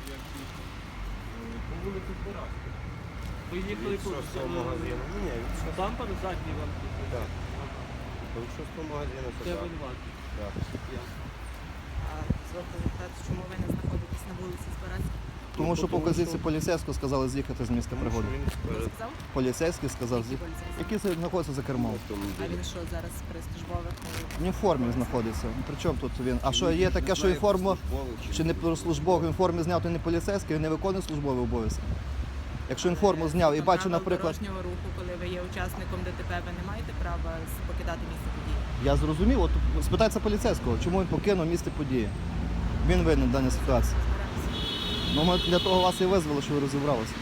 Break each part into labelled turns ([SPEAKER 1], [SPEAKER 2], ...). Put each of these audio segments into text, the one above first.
[SPEAKER 1] як їхав. По вулиці Збиравська. Ви їхали
[SPEAKER 2] Від 6-го магазину. Ні, від 6-го.
[SPEAKER 1] Там по задній вам їхали?
[SPEAKER 2] Так. Від 6-го магазину
[SPEAKER 1] Це
[SPEAKER 2] сюди.
[SPEAKER 1] винуватий.
[SPEAKER 2] Так.
[SPEAKER 3] А дозвольте запитати, чому ви не знаходитесь на вулиці Збиравська?
[SPEAKER 4] Тому що по вказівці поліцейського сказали з'їхати з місця пригоди.
[SPEAKER 3] Хто сказав?
[SPEAKER 4] Поліцейський сказав,
[SPEAKER 3] Які поліцейські?
[SPEAKER 4] який знаходиться за кермом.
[SPEAKER 3] А він що, зараз при службових?
[SPEAKER 4] Він в формі знаходиться. При чому тут він? А що є таке, що і форму, чи не про службову, він в формі зняв, то не поліцейський, він не виконує службові обов'язки. Якщо він форму зняв і бачу, наприклад,
[SPEAKER 3] дорожнього руху, коли ви є учасником ДТП, ви не маєте права покидати місце події?
[SPEAKER 4] я зрозумів, от спитайте поліцейського, чому він покинув місце події. Він винен в даній ситуації. Ну, ми для того вас і визвали, що ви розібралися.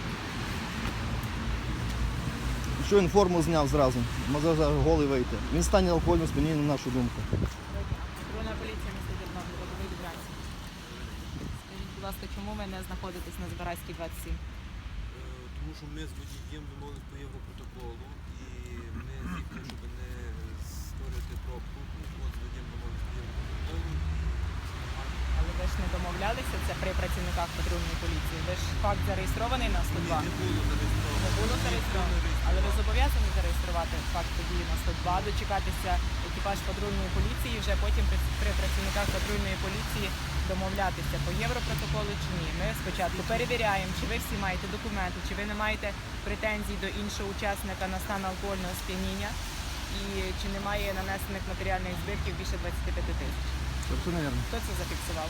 [SPEAKER 4] Що він форму зняв зразу, може зараз голий вийти. Він стане алкогольним сп'янінням, на нашу думку.
[SPEAKER 3] Патрульна поліція міста Тернопіль, Лобовий Дубранці. Скажіть, будь ласка, чому ви не знаходитесь на Збиравській 27?
[SPEAKER 5] Тому що ми з водієм домовились по європротоколу і ми з'їхали, щоб не створити пробку. От з водієм домовились по європротоколу.
[SPEAKER 3] Але ви ж не домовлялися, це при працівниках патрульної поліції. Ви ж факт зареєстрований на 102?
[SPEAKER 5] Не було зареєстровано.
[SPEAKER 3] Не було зареєстровано. Але ви зобов'язані зареєструвати факт події на 102, дочекатися екіпаж патрульної поліції, вже потім при працівниках патрульної поліції домовлятися по європротоколу чи ні. Ми спочатку перевіряємо, чи ви всі маєте документи, чи ви не маєте претензій до іншого учасника на стан алкогольного сп'яніння і чи немає нанесених матеріальних збитків більше 25 тисяч.
[SPEAKER 4] Це невірно.
[SPEAKER 3] Хто це зафіксував?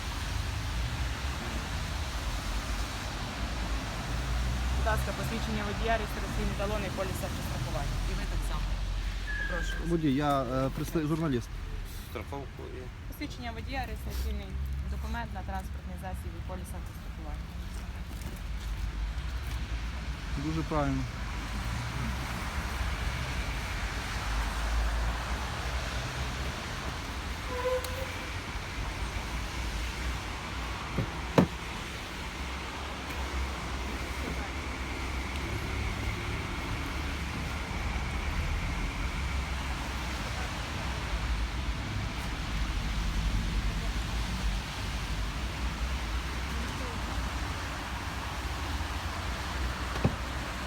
[SPEAKER 3] Будь ласка, посвідчення водія, реєстраційний талон і поліс автострахування. І ви так само. Прошу.
[SPEAKER 4] Водій, я журналіст.
[SPEAKER 2] Страховку і...
[SPEAKER 3] Посвідчення водія, реєстраційний документ на транспортний засіб і поліс автострахування.
[SPEAKER 4] Дуже правильно.